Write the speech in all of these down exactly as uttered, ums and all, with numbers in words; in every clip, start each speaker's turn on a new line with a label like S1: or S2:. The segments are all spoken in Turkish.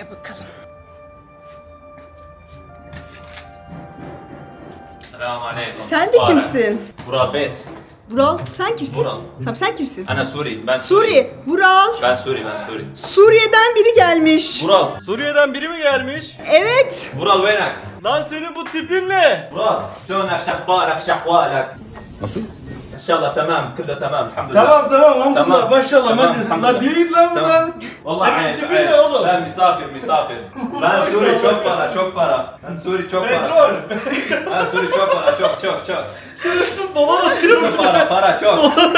S1: Gel bakalım.
S2: Selamünaleyküm.
S1: Sen de kimsin?
S2: Vural Bet.
S1: Vural sen kimsin?
S2: Vural.
S1: Tamam sen kimsin?
S2: Ana Suri. Ben
S1: Suriye. Vural.
S2: Ben Suri, ben Suri.
S1: Suriye'den biri gelmiş.
S2: Vural.
S3: Suriye'den biri mi gelmiş?
S1: Evet.
S2: Vural venak.
S3: Lan senin bu tipin ne?
S2: Vural. Şlonak, şahbarak, şahvalak.
S3: Nasıl?
S2: İnşallah tamam, kullu tamam, elhamdülillah.
S3: Tamam tamam hamdülillah
S2: Tamam.
S3: maşallah
S2: Tamam,
S3: maşallah.
S2: hamdülillah.
S3: La değil lan bu
S2: Tamam.
S3: lan.
S2: Vallahi
S3: Senin
S2: ayıp,
S3: tipin
S2: ayıp.
S3: ne oğlum?
S2: Ben misafir, misafir. Ben Suri çok para, çok para. Ben Suri çok para.
S3: Petrol.
S2: Ben Suri çok para, çok çok çok.
S3: Şerefsiz dolar atıyor.
S2: Çok para, para çok.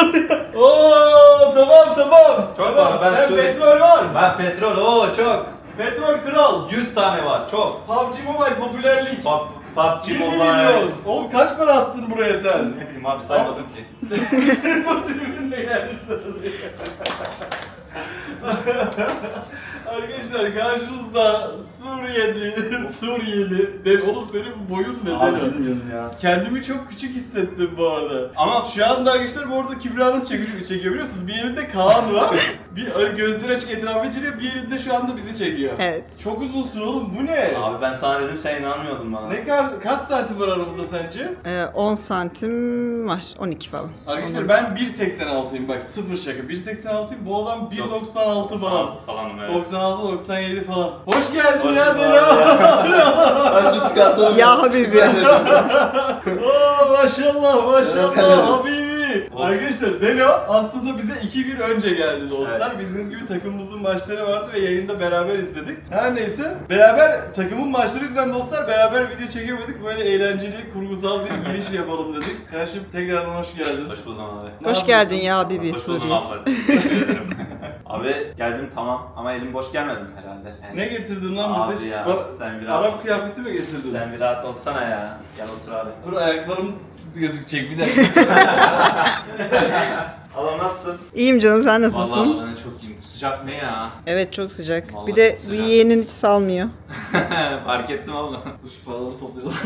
S3: Oo tamam tamam.
S2: Çok
S3: tamam.
S2: var, ben
S3: Sen
S2: Suri-
S3: petrol var.
S2: Ben petrol, oo çok.
S3: Petrol kral.
S2: yüz tane var, çok.
S3: P U B G Mobile popülerlik.
S2: Pub, PUBG
S3: bir
S2: Mobile.
S3: milyon. Oğlum kaç para attın buraya sen?
S2: Ne bileyim abi saymadım ki.
S3: Bu tipin ne geldi sarılıyor. Arkadaşlar karşınızda Suriyeli, Suriyeli. De, oğlum senin boyun ne
S2: Abi
S3: Deno?
S2: bilmiyorum ya.
S3: Kendimi çok küçük hissettim bu arada.
S2: Ama
S3: Şu anda arkadaşlar bu arada Kübra nasıl çekiyor, çekiyor biliyor musunuz? Bir elinde Kaan var, bir öyle gözleri açık etrafı inceliyor, bir elinde şu anda bizi çekiyor.
S1: Evet.
S3: Çok uzunsun oğlum, bu ne?
S2: abi ben sana dedim sen inanmıyordun bana.
S3: Ne kadar, kaç santim var aramızda sence?
S1: Ee, on santim var. on iki falan.
S3: Arkadaşlar ben bir seksen altıyım bak, sıfır şaka. bir seksen altıyım, bu adam bir doksan altı falan.
S2: doksan altı falanım evet.
S3: doksan altı doksan yedi falan. Hoş geldin
S2: Hoş
S3: ya
S2: bulduk
S3: Delo.
S2: Ben çıkartalım.
S1: Ya Habibi.
S3: Oo maşallah maşallah
S2: Evet.
S3: Habibi. Arkadaşlar Delo aslında bize iki gün önce geldi dostlar. Bildiğiniz gibi takımımızın maçları vardı ve yayında beraber izledik. Her neyse beraber takımın maçları yüzünden dostlar beraber video çekemedik. Böyle eğlenceli kurgusal bir giriş yapalım dedik. Kardeşim tekrardan hoş geldin.
S2: Hoş buldum abi.
S3: Ne
S1: Hoş
S3: yapıyorsun?
S1: geldin ya Habibi
S2: Hoş buldum
S1: Suriye.
S2: abi. Teşekkür ederim. Abi geldim tamam ama elim boş gelmedim herhalde. Yani-
S3: Ne getirdin lan
S2: Abi
S3: bize?
S2: ya,
S3: Bana-
S2: sen bir rahat
S3: Arap
S2: ol.
S3: kıyafeti mi getirdin?
S2: Sen bir rahat olsana ya. Gel otur abi.
S3: Dur ayaklarım gözükecek bir dakika.
S2: Adam nasılsın?
S1: İyiyim canım sen
S2: Vallahi
S1: nasılsın?
S2: ben de çok iyiyim. Sıcak ne ya?
S1: Evet çok sıcak.
S2: Vallahi
S1: Bir de
S2: çok
S1: bu
S2: sıcak.
S1: yeğenin hiç salmıyor.
S2: Fark ettim abla.
S3: Dur şu paraları toplayalım.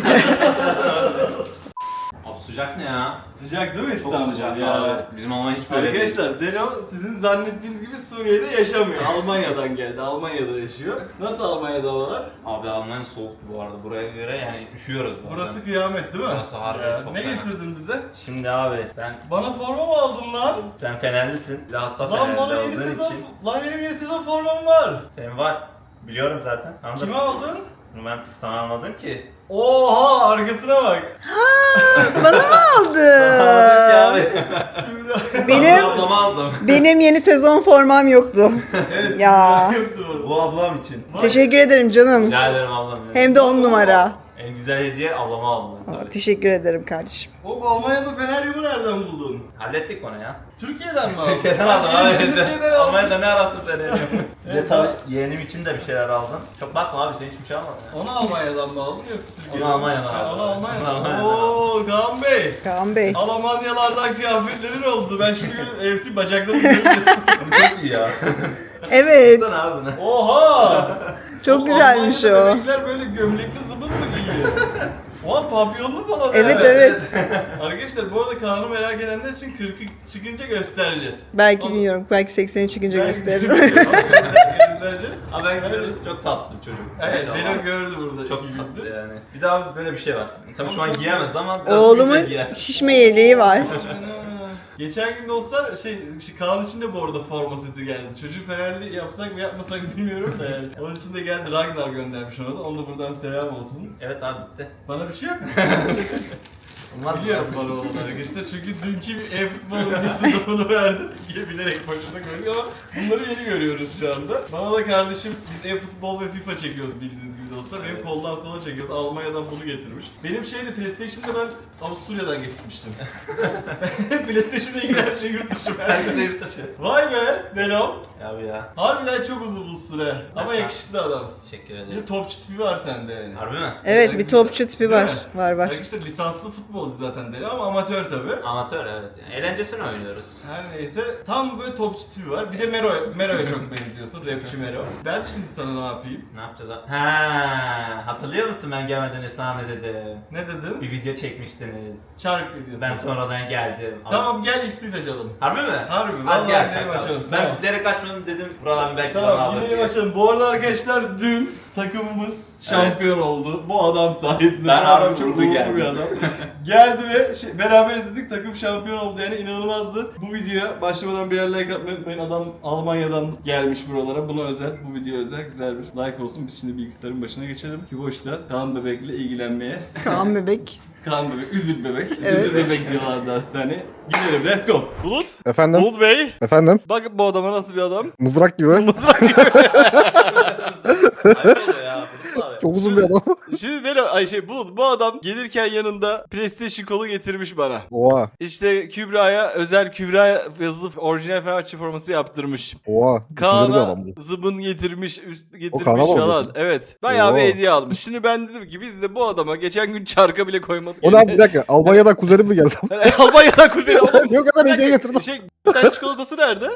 S2: Abi sıcak ne ya?
S3: Sıcak değil mi
S2: Çok
S3: İstanbul
S2: sıcak
S3: ya?
S2: abi. Bizim Almanya hiç böyle değil.
S3: Arkadaşlar Delo sizin zannettiğiniz gibi Suriye'de yaşamıyor. Almanya'dan geldi. Almanya'da yaşıyor. Nasıl Almanya'da havalar?
S2: Abi Almanya soğuktu bu arada. Buraya göre yani üşüyoruz bu arada.
S3: Burası kıyamet değil mi?
S2: Burası harbi
S3: Ya,
S2: çok
S3: Ne
S2: fena.
S3: getirdin bize?
S2: Şimdi abi sen
S3: Bana forma mı aldın lan?
S2: sen Fenerlisin. Bir de hasta
S3: Lan bana
S2: Fenerli
S3: yeni
S2: olduğun
S3: sezon,
S2: için.
S3: lan benim yeni sezon formam var.
S2: Senin var. Biliyorum zaten. Anladın
S3: Kime
S2: mı?
S3: aldın?
S2: Bunu ben sana almadım ki.
S3: Oha arkasına bak.
S1: Bana mı aldı?
S2: Almadım ki abi.
S1: Benim
S2: Ablama aldım.
S1: benim yeni sezon formam yoktu.
S3: Evet.
S1: Ya.
S3: Yoktu orada.
S2: Bu ablam için.
S1: Teşekkür ederim canım.
S2: Rica ederim ablam. ya.
S1: Hem de on numara.
S2: En güzel hediye ablama aldım ben
S1: Aa,
S2: tabii.
S1: Teşekkür ederim kardeşim.
S3: Oğlum Almanya'da Feneryum'u nereden buldun?
S2: Hallettik onu ya.
S3: Türkiye'den mi aldın?
S2: Türkiye'den aldım
S3: Ben
S2: abi.
S3: Türkiye'den
S2: Almanya'da
S3: almış.
S2: ne arasın Fener'i? Bir de
S3: Evet,
S2: tabii
S3: abi.
S2: yeğenim için de bir şeyler aldım. Çok bakma abi sen hiçbir şey almadın ya.
S3: Onu Almanya'dan mı aldın yoksa Türkiye'den?
S2: Onu Almanya'dan
S3: Ha,
S2: aldım.
S3: Onu
S2: Onu
S3: Almanya'dan.
S2: Almanya'dan
S3: Ooo Kaan Bey.
S1: Kaan Bey.
S3: Almanyalardan kıyafetlerin oldu. Ben şimdi evti bacaklarımı görüyorsun.
S2: Çok iyi ya.
S1: Evet.
S2: Sana abi ne?
S3: Oha!
S1: Çok
S3: Oğlum,
S1: güzelmiş
S3: Almanya'da
S1: o.
S3: bebekler böyle gömlekli zıbın mı giyiyor? Oha papyonlu falan.
S1: Evet
S3: ha.
S1: evet.
S3: Arkadaşlar bu arada Kaan'ı merak edenler için kırkı çıkınca göstereceğiz.
S1: Belki
S3: O-
S1: bilmiyorum. Belki sekseni çıkınca
S3: Belki
S1: gösteririm.
S3: göstereceğiz.
S2: Abi ben gördüm çok tatlı bir çocuk.
S3: Evet,
S2: Maşallah.
S3: Delo gördü burada
S2: Çok
S3: iki
S2: tatlı
S3: gündür.
S2: yani. Bir daha böyle bir şey var. Tabii şu an giyemez ama biraz
S1: Oğlumun
S2: büyüyünce giyer.
S1: şişme yeleği var.
S3: Ana. Geçen gün dostlar şey, şey Kaan için de bu arada forma seti geldi. Çocuğu Fenerli yapsak mı yapmasak bilmiyorum da yani. Onun için de geldi, Ragnar göndermiş ona da. Ona da buradan selam olsun.
S2: Evet abi bitti.
S3: Bana bir şey yok mu?
S2: Olmaz
S3: Biliyorum bana olan arkadaşlar çünkü dünkü bir e-futbol videosunda onu verdim. Diye bilerek başına koyduk ama bunları yeni görüyoruz şu anda. Bana da kardeşim biz e-futbol ve FIFA çekiyoruz bildiğiniz gibi dostlar. Benim
S2: Evet.
S3: kollar sola çekiyordu. Almanya'dan bunu getirmiş. Benim şeyde PlayStation'da ben Avusturya'dan getirmiştim. PlayStation'da ilgili her şey yurt dışı.
S2: Herkese yurt dışı.
S3: Vay be Venom.
S2: Abi ya.
S3: Harbiden çok uzun bu süre. Ama
S2: sen-
S3: yakışıklı adamsın.
S2: Teşekkür
S3: Bir de
S2: ederim.
S3: topçu tipi var sende yani.
S2: Harbi mi?
S1: Evet bir topçu tipi var.
S3: Değil mi?
S1: Var var.
S3: Arkadaşlar lisanslı futbolcu futbolcu zaten Delo ama amatör tabi.
S2: Amatör evet. Yani eğlencesini oynuyoruz.
S3: Her neyse tam böyle topçu tipi var. Bir de Mero, Mero'ya çok benziyorsun. Rapçi Mero. Ben şimdi sana ne yapayım?
S2: Ne yapacağız abi? Ha, hatırlıyor musun ben gelmeden Esra ne dedim?
S3: Ne dedin?
S2: Bir video çekmiştiniz.
S3: Çark videosu.
S2: Ben sonradan geldim.
S3: Tamam gel X-Suite açalım.
S2: Harbi mi?
S3: Harbi.
S2: Hadi
S3: Vallahi
S2: gel
S3: gidelim
S2: çakalım.
S3: açalım.
S2: Ben
S3: Tamam.
S2: direkt açmadım dedim buradan belki bana
S3: Tamam
S2: alır
S3: gidelim
S2: diye.
S3: açalım. Bu arada arkadaşlar dün takımımız şampiyon oldu. Bu adam sayesinde.
S2: Ben
S3: Bu adam
S2: abi
S3: çok
S2: uğurlu
S3: uğurlu
S2: geldim.
S3: bir adam. Geldi ve şey, beraber izledik, takım şampiyon oldu yani inanılmazdı. Bu videoya başlamadan birer like atmayı unutmayın. Adam Almanya'dan gelmiş buralara. Buna özel, bu video özel güzel bir like olsun. Biz şimdi bilgisayarın başına geçelim. Ki boşta Kaan Bebek'le ilgilenmeye.
S1: Kaan bebek.
S3: Kaan Bebek, Üzül Bebek.
S1: Evet.
S3: Üzül Bebek diyorlardı hastaneye. Gidelim, let's go. Bulut.
S4: Efendim?
S3: Bulut Bey.
S4: Efendim?
S3: Bakın bu adama nasıl bir adam.
S4: Mızrak gibi.
S3: Mızrak gibi.
S2: Ayıp oluyor ya. Bulut abi.
S4: Çok uzun bir adam.
S3: Şimdi Delo, ay şey Bulut, bu adam gelirken yanında PlayStation kolu getirmiş bana.
S4: Oha.
S3: İşte Kübra'ya özel Kübra yazılı orijinal Fenerbahçe forması yaptırmış.
S4: Oha. Düşünceli bir
S3: Kaan'a
S4: adam bu.
S3: zıbın getirmiş, üst
S4: Kaan'a
S3: getirmiş
S4: mı
S3: falan.
S4: alıyorsun?
S3: Evet. Bayağı bir
S4: Oo.
S3: hediye almış. Şimdi ben dedim ki biz de bu adama geçen gün çarka bile koymadık.
S4: O ne abi bir dakika. Almanya'dan kuzenim mi geldi?
S3: Almanya'dan kuzeni oğlum.
S4: Yok kadar hediye getirdim.
S3: Şey, bir çikolatası nerede?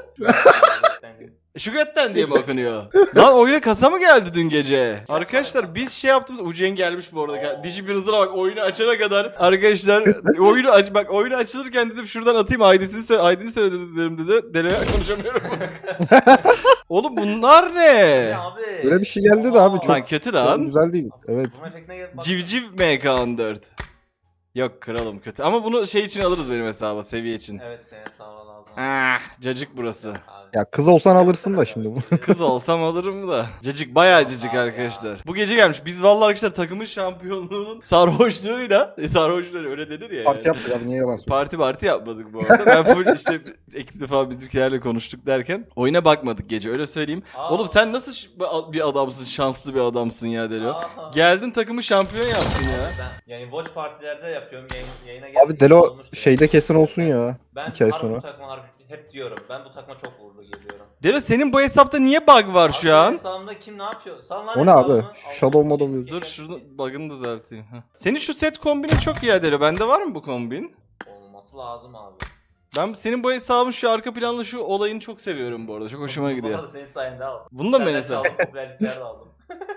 S3: Şugat'ten diye mi okunuyor? Lan oyuna kasa mı geldi dün gece? Arkadaşlar biz şey yaptığımız Ucen gelmiş bu arada. Dişi bir hızına bak oyunu açana kadar. Arkadaşlar oyunu aç bak oyunu açılırken dedim şuradan atayım I D'sini söyle I D'ni söyle dedim dedi. Dele konuşamıyorum. Oğlum bunlar ne?
S2: Abi.
S4: Böyle bir şey geldi de abi çok,
S3: Lan kötü
S4: çok
S3: lan.
S4: güzel değil. Evet.
S2: Bu efektine gel- bak.
S3: Civciv M K on dört. Yok kralım kötü. Ama bunu şey için alırız benim hesaba seviye için.
S2: Evet senin sağ ol lazım.
S3: Ah, cacık burası.
S2: Abi.
S4: Ya kız olsan alırsın da şimdi bu.
S3: Kız olsam alırım da. Cacık bayağı cacık arkadaşlar. Bu gece gelmiş. Biz vallahi arkadaşlar takımın şampiyonluğunun sarhoşluğuyla e, sarhoşluğu öyle denir ya.
S4: Parti
S3: yani.
S4: yaptık abi niye yalan söylüyorsun?
S3: Parti parti yapmadık bu arada. Ben full işte ekipte falan bizimkilerle konuştuk derken oyuna bakmadık gece öyle söyleyeyim.
S2: Aa.
S3: Oğlum sen nasıl ş- bir adamsın, şanslı bir adamsın ya Delo.
S2: Aha.
S3: Geldin takımı şampiyon yaptın ya.
S2: Ben yani watch partilerde yapıyorum yayın, yayına
S4: Abi
S2: geldiğim
S4: Delo
S2: olmuştu.
S4: şeyde kesin olsun ya.
S2: Ben
S4: iki ay
S2: harbi
S4: sonra.
S2: bu takıma harbi hep diyorum. Ben bu takıma çok uğurlu geliyorum.
S3: Delo senin bu hesapta niye bug var şu an?
S2: Hesabımda kim ne yapıyor? Sen lan
S4: O ne abi?
S2: hesabımı.
S4: Shadow
S2: Allah'ım,
S4: model
S2: kes-
S4: yazıyor.
S3: Dur
S2: kes-
S3: şunu
S2: kes-
S3: bug'ını düzelteyim. Heh. Senin şu set kombini çok iyi Delo. Bende var mı bu kombin?
S2: Olması lazım abi.
S3: Ben senin bu hesabın şu arka planlı şu olayını çok seviyorum bu arada. Çok hoşuma
S2: Bu
S3: gidiyor.
S2: arada senin sayende aldım.
S3: Bunu da mı ben
S2: Senden
S3: hesap?
S2: çaldım, popülerlikler de aldım.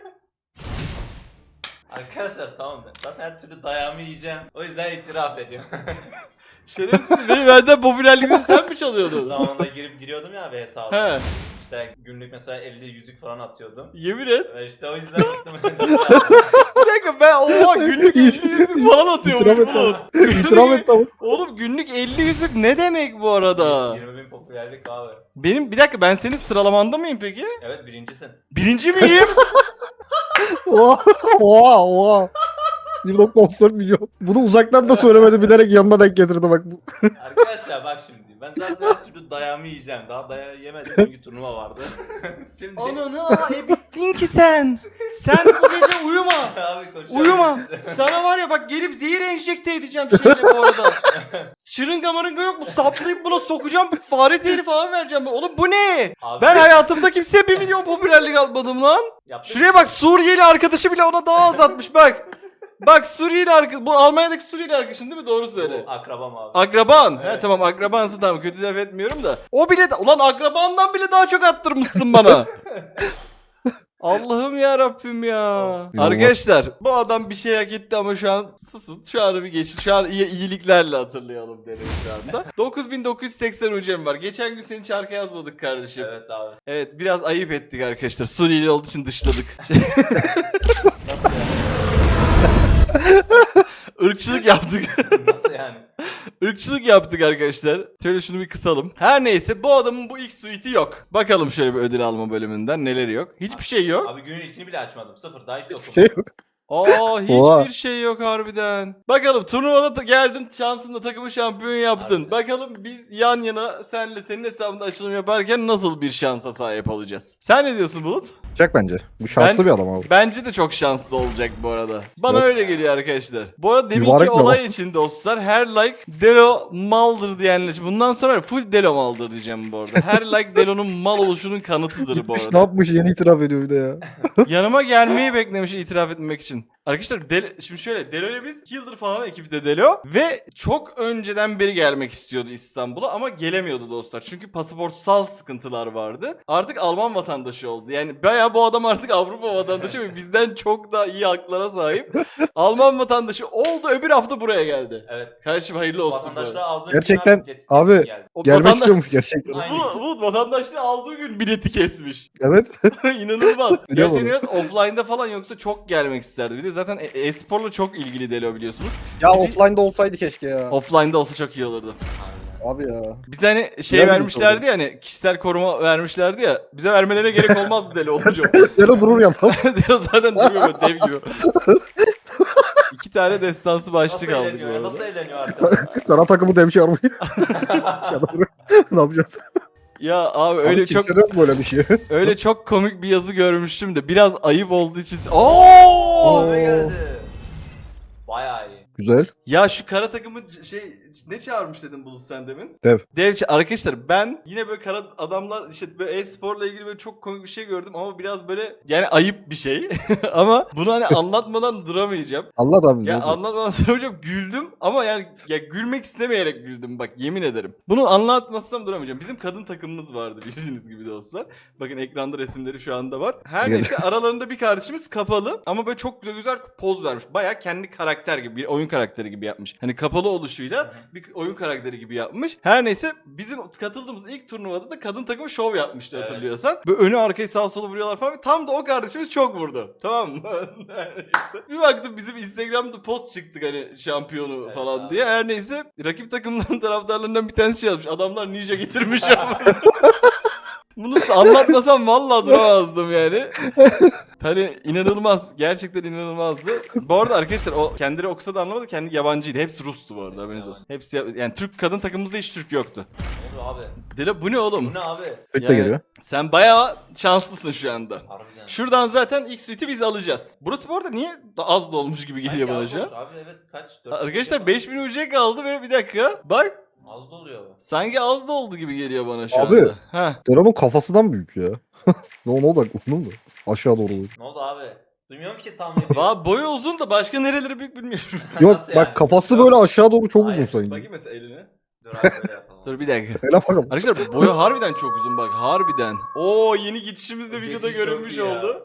S2: Arkadaşlar tamam ben. Zaten her türlü dayağımı yiyeceğim. O yüzden itiraf ediyorum.
S3: Şerefsiz beni benden popülerliğini sen mi çalıyordun?
S2: Zamanında girip giriyordum ya bir hesaba.
S3: He.
S2: İşte günlük mesela elli yüzük falan atıyordum.
S3: Yemin et.
S2: Ve işte o yüzden gittim.
S3: Bir dakika ben oha günlük elli yüzük falan atıyormuş
S4: İtiraf et
S3: Bulut.
S4: abi. İtiraf et ama.
S3: Oğlum günlük elli yüzük ne demek bu arada?
S2: yirmi bin popülerlik abi.
S3: Benim bir dakika ben senin sıralamanda mıyım peki?
S2: Evet birincisin.
S3: Birinci miyim?
S4: Oha. Oha. Oha. bir nokta otuz dört milyon. Bunu uzaktan da söylemedi bilerek yanına denk getirdi bak bu.
S2: Arkadaşlar bak şimdi. Ben zaten her türlü dayağımı yiyeceğim. Daha dayağı yemedim çünkü turnuva vardı. Şimdi...
S3: Ananı aa e bittin ki sen. Sen bu gece uyuma.
S2: Abi konuşalım.
S3: Uyuma. Sana var ya bak gelip zehir enjekte edeceğim şeyle bu arada. Şırınga marınga yok mu? Saplayıp buna sokacağım. Fare zehri falan vereceğim. Oğlum bu ne?
S2: Abi,
S3: Ben hayatımda kimseye bir milyon popülerlik atmadım lan.
S2: yaptık.
S3: Şuraya bak Suriyeli arkadaşı bile ona daha az atmış bak. Bak Suriyeli arkadaş. Bu Almanya'daki Suriyeli arkadaşın değil mi? Doğru söyle.
S2: Bu akrabam abi.
S3: Akraban. He
S2: Evet.
S3: tamam akrabansı tamam kötü laf etmiyorum da. O bile de- ulan akrabandan bile daha çok attırmışsın bana. Allah'ım ya Rabbim ya.
S4: İnanılmaz.
S3: Arkadaşlar bu adam bir şey hak etti ama şu an susun. Şu anı bir geçin. Şu an iyi, iyiliklerle hatırlayalım derim şu anda. dokuz bin dokuz yüz seksen ucem var. Geçen gün seni çarka yazmadık kardeşim. Evet.
S2: Evet abi.
S3: evet biraz ayıp ettik arkadaşlar. Suriyeli olduğu için dışladık.
S2: Nasıl yani?
S3: Irkçılık yaptık.
S2: Nasıl yani?
S3: Irkçılık yaptık arkadaşlar. Şöyle şunu bir kısalım. Her neyse bu adamın bu ilk suite'i yok. Bakalım şöyle bir ödül alma bölümünden neleri yok. Hiçbir şey yok.
S2: Abi günün ilkini bile açmadım. Sıfır daha hiç
S4: Hiçbir
S2: dokunmadım.
S4: şey yok.
S3: Aa hiçbir
S4: Oha.
S3: şey yok harbiden. Bakalım turnuvada da geldin şansınla takımı şampiyon yaptın.
S2: Harbiden.
S3: Bakalım biz yan yana senle senin hesabında açılım yaparken nasıl bir şansa sahip olacağız. Sen ne diyorsun Bulut?
S4: Çak bence. Bu şanslı
S3: Ben-
S4: bir adam abi.
S3: Bence de çok şanslı olacak bu arada. Bana
S4: Evet.
S3: öyle geliyor arkadaşlar. Bu arada deminki
S4: Mübarek bir
S3: olay
S4: adam.
S3: için dostlar her like Delo maldır diyenler için. Bundan sonra full Delo maldır diyeceğim bu arada. Her like Delo'nun mal oluşunun kanıtıdır bu
S4: Gitmiş ne
S3: arada.
S4: yapmış yeni itiraf ediyor bir de ya.
S3: Yanıma gelmeyi beklemiş itiraf etmek için. Arkadaşlar Del şimdi şöyle Delo ile biz iki yıldır falan ekipte Delo ve çok önceden beri gelmek istiyordu İstanbul'a ama gelemiyordu dostlar. Çünkü pasaportsal sıkıntılar vardı. Artık Alman vatandaşı oldu. Yani bayağı bu adam artık Avrupa vatandaşı ve bizden çok daha iyi haklara sahip. Alman vatandaşı oldu, öbür hafta buraya geldi.
S2: Evet.
S3: Kardeşim hayırlı olsun.
S2: Vatandaşlığı aldığın
S4: Gerçekten
S2: gün get-
S4: abi,
S2: geldi.
S3: O
S4: Gelmek
S3: vatanda-
S4: istiyormuş gerçekten.
S2: Aynen.
S3: Bu, bu vatandaşlığı aldığı gün bileti kesmiş.
S4: Evet.
S3: İnanılmaz.
S4: Biliyorum
S3: Gerçekten
S4: onu.
S3: biraz offline'da falan yoksa çok gelmek isterdi. Bir de zaten e- e-sporla çok ilgili Delo biliyorsunuz.
S4: Ya
S3: Bizi-
S4: offline'da olsaydı keşke ya.
S3: Offline'da olsa çok iyi olurdu.
S4: Abi ya.
S3: Bize hani şey
S4: Güzel bir
S3: vermişlerdi ya, hani kişisel koruma vermişlerdi ya. Bize vermelerine gerek olmazdı Delo olunca.
S4: Delo durur ya tam.
S3: Delo zaten duruyor böyle dev gibi. İki tane destansı başlık
S2: Nasıl
S3: aldık bu
S2: eğleniyor?
S3: arada.
S2: Nasıl eğleniyor arkadaşlar?
S4: Kara takımı demiş armayı. Ya da dur. Ne yapacağız?
S3: Ya abi
S4: Öyle
S3: öyle
S4: abi,
S3: çok
S4: kimsede yok böyle bir şey.
S3: öyle çok komik bir yazı görmüştüm de biraz ayıp olduğu için. Oo!
S2: Abi geldi. Bayağı iyi.
S4: Güzel.
S3: Ya şu kara takımı c- şey ne çağırmış dedim Bulut sen demin?
S4: Dev.
S3: Dev ça- arkadaşlar ben yine böyle kara adamlar işte böyle e-sporla ilgili böyle çok komik bir şey gördüm ama biraz böyle yani ayıp bir şey. Ama bunu hani anlatmadan duramayacağım.
S4: Allah abi.
S3: Ya
S4: Ya
S3: anlatmadan duramayacağım, güldüm ama yani ya gülmek istemeyerek güldüm bak, yemin ederim. Bunu anlatmazsam duramayacağım. Bizim kadın takımımız vardı bildiğiniz gibi dostlar. Bakın ekranda resimleri şu anda var. Her
S4: Gel.
S3: neyse aralarında bir kardeşimiz kapalı ama böyle çok güzel poz vermiş. Baya kendi karakter gibi, bir oyun karakteri gibi yapmış. Hani kapalı oluşuyla bir oyun karakteri gibi yapmış. Her neyse bizim katıldığımız ilk turnuvada da kadın takımı şov yapmıştı
S2: Evet.
S3: hatırlıyorsan. Böyle önü arkayı sağa sola vuruyorlar falan. Tam da o kardeşimiz çok vurdu. Tamam mı? Her neyse. Bir baktım bizim Instagram'da post çıktık hani şampiyonu
S2: Evet
S3: falan
S2: abi.
S3: diye. Her neyse rakip takımların taraftarlarından bir tanesi şey yazmış. Adamlar ninja getirmiş ama. Bunu anlatmasam vallahi duramazdım yani. Hani inanılmaz. Gerçekten inanılmazdı. Bu arada arkadaşlar o kendileri okusa da anlamadı. Kendi yabancıydı. Hepsi Rus'tu bu arada. Haberiniz olsun. Hepsi ya- yani Türk kadın takımımızda hiç Türk yoktu.
S2: Ne oldu abi?
S3: Dile bu ne oğlum?
S2: Bu ne abi?
S4: Pek de
S3: Yani
S4: geliyor.
S3: Sen bayağı şanslısın şu anda.
S2: Harbiden.
S3: Şuradan zaten ilk suite'i biz alacağız. Burası bu arada niye da az dolmuş gibi geliyor
S2: Sanki
S3: bana
S2: az
S3: şu an?
S2: olmuş Abi evet kaç? Dört
S3: Arkadaşlar
S2: olmuş
S3: beş bin U C kaldı ve bir dakika. Bak
S2: ama Az doluyor bu.
S3: sanki az da oldu gibi geliyor bana şu
S4: Abi.
S3: anda. Heh.
S4: Delo'nun kafasından büyük ya. Ne ona odaklandın mı? Aşağı doğru.
S2: Ne oldu abi? Duymuyorum ki tam ne diyor.
S3: Valla boyu uzun da başka nereleri büyük bilmiyorum.
S4: Yok
S2: Nasıl
S4: bak
S2: yani?
S4: kafası böyle aşağı doğru çok
S2: Hayır,
S4: uzun sanki.
S3: Bakayım mesela eline.
S2: Dur abi böyle yapalım.
S3: Dur bir dakika.
S4: Hele bakalım.
S3: Arkadaşlar boyu harbiden çok uzun bak, harbiden. Oo, yeni geçişimiz de videoda
S2: Geçiş çok
S3: görünmüş
S2: iyi ya.
S3: oldu.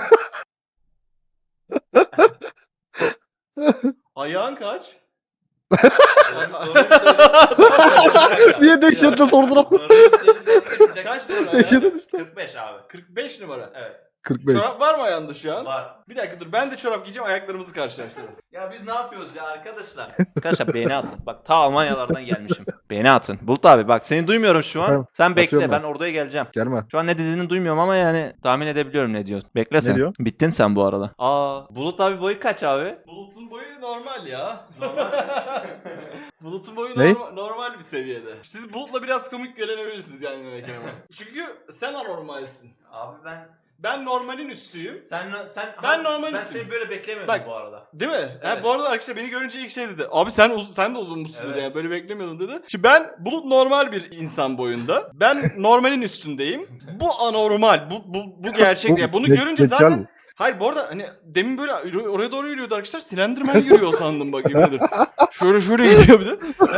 S3: Ayağın kaç?
S2: Doğru- doğruyu söyle.
S4: Niye dehşetle sordun ama?
S2: Doğruyu söyle.
S3: Kaç numara
S4: Dehşete
S3: ya?
S4: düştü.
S2: kırk beş abi.
S3: kırk beş numara.
S2: Evet.
S4: kırk beş.
S3: Çorap var mı ayağında şu an?
S2: Var.
S3: Bir dakika dur, ben de çorap giyeceğim, ayaklarımızı karşılaştıralım.
S2: Ya biz ne yapıyoruz ya arkadaşlar? Arkadaşlar beğeni atın. Bak ta Almanyalardan gelmişim. Beğeni atın. Bulut abi bak seni duymuyorum şu an.
S4: Efendim?
S2: Sen bekle
S4: Atıyorum
S2: ben
S4: ben.
S2: oraya geleceğim.
S4: Gelme.
S2: Şu an ne dediğini duymuyorum ama yani tahmin edebiliyorum ne diyorsun. Bekle sen.
S4: diyor?
S2: Bittin sen bu arada. Aa, Bulut abi boyu kaç abi?
S3: Bulut'un boyu normal ya.
S2: Normal.
S3: Bulut'un boyu
S4: Ne?
S3: normal, normal bir seviyede. Siz Bulut'la biraz komik görebilirsiniz yani demek ama. Çünkü sen anormalsin.
S2: Abi ben
S3: Ben normalin üstüyüm.
S2: sen sen
S3: Ben normal
S2: ben
S3: üstüyüm.
S2: seni böyle beklemiyordum
S3: Bak-
S2: bu arada.
S3: Değil mi? Ha,
S2: Evet.
S3: bu arada arkadaşlar beni görünce ilk şey dedi. Abi sen uz- sen de uzunmuşsun dedi
S2: Evet.
S3: yani, böyle beklemiyordum dedi. Şimdi ben Bulut normal bir insan boyunda. Ben normalin üstündeyim. Bu anormal. Bu bu bu gerçek. Yani bunu
S4: de-
S3: görünce
S4: deccal
S3: zaten
S4: bu.
S3: hayır bu arada hani demin böyle yürü- oraya doğru yürüyordu arkadaşlar. Slenderman yürüyor sandım bak, yemin ederim. Şöyle şöyle gidiyor bir de.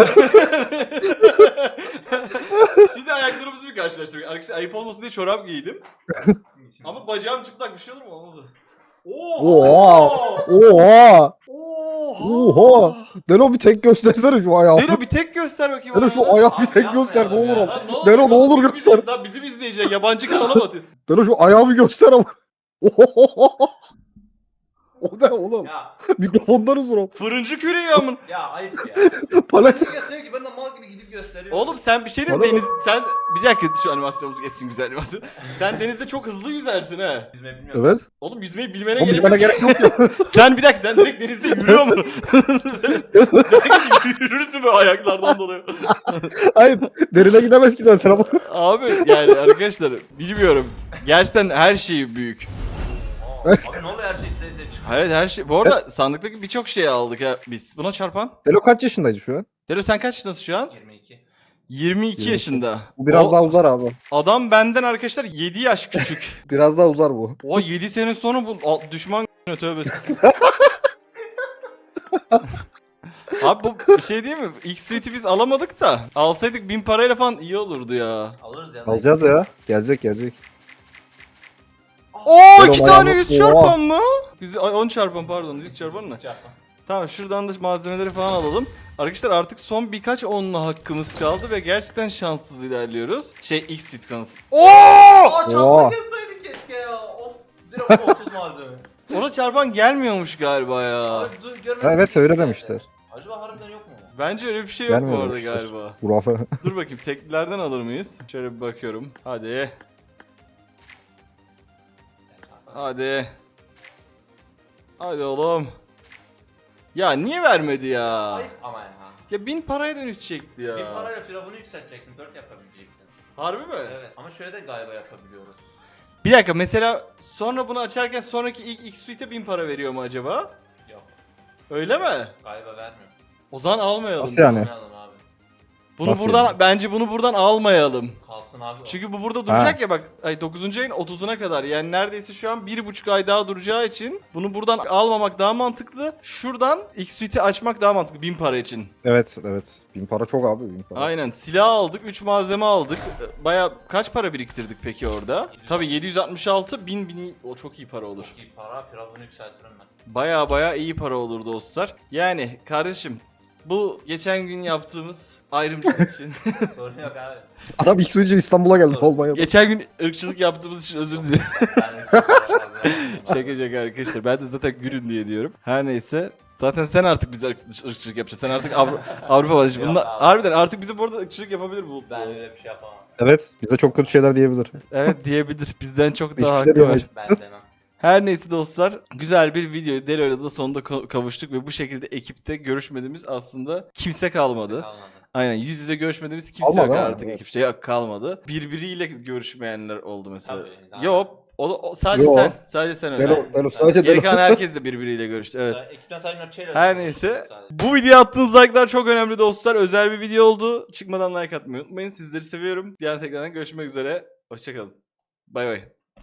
S3: Şimdi ayaklarımızı bir karşılaştırdık. Arkadaşlar ayıp olmasın diye çorap giydim. Ama bacağım çıplak, bir şey olur mu? Olmadı.
S4: Oha! Oha!
S3: Oha!
S4: Oha! Delo bir tek göstersene şu ayağı.
S3: Delo bir tek göster bakayım.
S4: Delo
S3: bana.
S4: şu ayağı bir
S2: Abi
S4: tek
S2: yapma
S4: göster ne
S2: ya.
S4: olur
S2: Ya
S4: ama.
S3: Lan ne olur,
S4: Delo ne olur
S3: bizim
S4: göster.
S3: izleyecek, lan bizim izleyecek yabancı kanala mı atıyor?
S4: Delo şu ayağı bir göster ama. Ohohoho! O ne oğlum?
S2: Ya
S4: Mikrofondan uzun o.
S3: Fırıncı küreği amın.
S2: ya ayıp ya.
S4: Palet.
S2: Nasıl gösteriyor ki ben de mal gibi gidip gösteriyorum.
S3: Oğlum sen bir şey değil mi?
S4: Bana
S3: Deniz sen bir dakika şu animasyonumuz geçsin, güzel animasyon. Sen denizde çok hızlı yüzersin ha.
S2: Yüzme bilmiyorum.
S4: Evet.
S3: Oğlum yüzmeyi bilmene
S4: Oğlum
S3: gerek
S4: bilmene
S3: yok.
S4: gerek yok ya.
S3: Sen bir dakika, sen direkt denizde yürüyor mu? sen, sen yürürsün böyle ayaklardan dolayı.
S4: Hayır. Derine gidemez ki zaten ama.
S3: Abi yani arkadaşlar bilmiyorum. Gerçekten her şey büyük.
S2: Aa, abi ne oluyor her şey size size çıkıyor.
S3: Hayır her şey. Bu arada sandıktaki birçok şeyi aldık ya biz. Buna çarpan.
S4: Delo kaç yaşındaydı şu an?
S3: Delo sen kaç yaşındasın şu an?
S2: yirmi iki.
S3: yirmi iki
S4: yirmi iki.
S3: yaşında.
S4: Bu biraz
S3: O
S4: daha uzar abi.
S3: adam benden arkadaşlar yedi yaş küçük.
S4: Biraz daha uzar bu.
S3: O yedi sene sonra bu a- düşman tövbesi. Abi bu bir şey değil mi? İlk suite'i biz alamadık da. Alsaydık bin parayla falan iyi olurdu ya.
S2: Alırız ya.
S4: Alacağız ya. Gelecek gelecek.
S3: Oo
S4: Gel
S3: iki
S4: o
S3: tane
S4: ayağını-
S3: yüz çarpan mı? Yüz- ay, on çarpan pardon yüz çarpan ne?
S2: Çarpma.
S3: Tamam şuradan da malzemeleri falan alalım. Arkadaşlar artık son birkaç onla hakkımız kaldı ve gerçekten şanssız ilerliyoruz. Şey X suite konusu. Oo!
S2: Aa
S4: Oha.
S2: çarpma yazsaydık keşke ya. Of. Direkt otuz malzeme.
S3: Ona çarpan gelmiyormuş galiba ya.
S2: Abi dur görmedim.
S4: Ha, evet öyle demişler.
S2: Acaba harbiden yok mu?
S3: Bence öyle bir şey yok bu
S4: Gelmiyor
S3: arada
S4: demişler.
S3: galiba.
S4: Hurafe.
S3: Dur bakayım teklilerden alır mıyız? Şöyle bir bakıyorum. Hadi. Hadi. Hadi oğlum. Ya niye vermedi ya?
S2: Ayıp ama ya.
S3: Ya bin paraya dönüşecekti ya.
S2: Bir parayla firavunu yükseltecektin. Dört yapabilecektin.
S3: Harbi mi?
S2: Evet. Ama şöyle de galiba yapabiliyoruz.
S3: Bir dakika mesela sonra bunu açarken sonraki ilk X suite'e bin para veriyor mu acaba?
S2: Yok.
S3: Öyle mi?
S2: Galiba vermiyor.
S3: O zaman almayalım.
S4: Nasıl yani?
S2: Almayalım abi.
S3: Bunu
S4: Nasıl
S3: buradan
S4: yani?
S3: bence bunu buradan almayalım.
S2: Kalsın abi. o.
S3: Çünkü bu burada duracak ya bak ay dokuzuncu ayın otuzuna kadar yani neredeyse şu an bir buçuk ay daha duracağı için bunu buradan almamak daha mantıklı. Şuradan X suite'i açmak daha mantıklı bin para için.
S4: Evet evet. Bin para çok abi bin para.
S3: Aynen silah aldık üç malzeme aldık. Baya kaç para biriktirdik peki orada?
S2: yedi yüz
S3: Tabii yedi yüz altmış altı bin bin o çok iyi para olur.
S2: Çok iyi para. Firavunu yükseltirim ben.
S3: Baya baya iyi para olur dostlar. Yani kardeşim bu geçen gün yaptığımız ayrımcılık için
S2: Sorun yok abi.
S4: Adam ilk suyucu İstanbul'a geldi
S2: Doğru.
S4: olmaya.
S3: geçen gün ırkçılık yaptığımız için özür dilerim.
S2: Yani çok fazla.
S3: Şaka şaka arkadaşlar. Ben de zaten gülün diye diyorum. Her neyse. Zaten sen artık bize ırk- ırkçılık yapacaksın. Sen artık Avru- Avrupa vatandaşı.
S2: Yok
S3: Bunlar
S2: abi.
S3: harbiden artık bize burada ırkçılık yapabilir bu.
S2: Ben öyle bir şey yapamam.
S4: Evet bize çok kötü şeyler diyebilir.
S3: Evet diyebilir. Bizden çok
S4: Hiçbir
S3: daha
S4: şey
S3: hakkı var.
S4: diyemeyiz.
S2: Ben demem.
S3: Her neyse dostlar. Güzel bir video. Delo'yla da sonunda ko- kavuştuk ve bu şekilde ekipte görüşmediğimiz aslında kimse kalmadı.
S2: Kalmadı.
S3: Aynen yüz yüze görüşmediğimiz kimse
S4: Kalmadı
S3: yok
S4: ama,
S3: artık
S4: evet.
S3: ekipte. Yok kalmadı. Birbiriyle görüşmeyenler oldu mesela.
S2: Tabii, daha-
S3: Yok. O, o- sadece
S4: Yo.
S3: sen. Sadece sen öyle.
S4: Delo, Delo sadece
S3: Geri
S4: Delo.
S3: kalan herkes de birbiriyle görüştü. Evet.
S2: Mesela Ekipten sadece Notçe'yle
S3: Her
S2: konuşuyoruz
S3: neyse.
S2: sadece.
S3: Bu videoya attığınız like'lar çok önemli dostlar. Özel bir video oldu. Çıkmadan like atmayı unutmayın. Sizleri seviyorum. Diğer tekrardan görüşmek üzere. Hoşçakalın. Bay bay.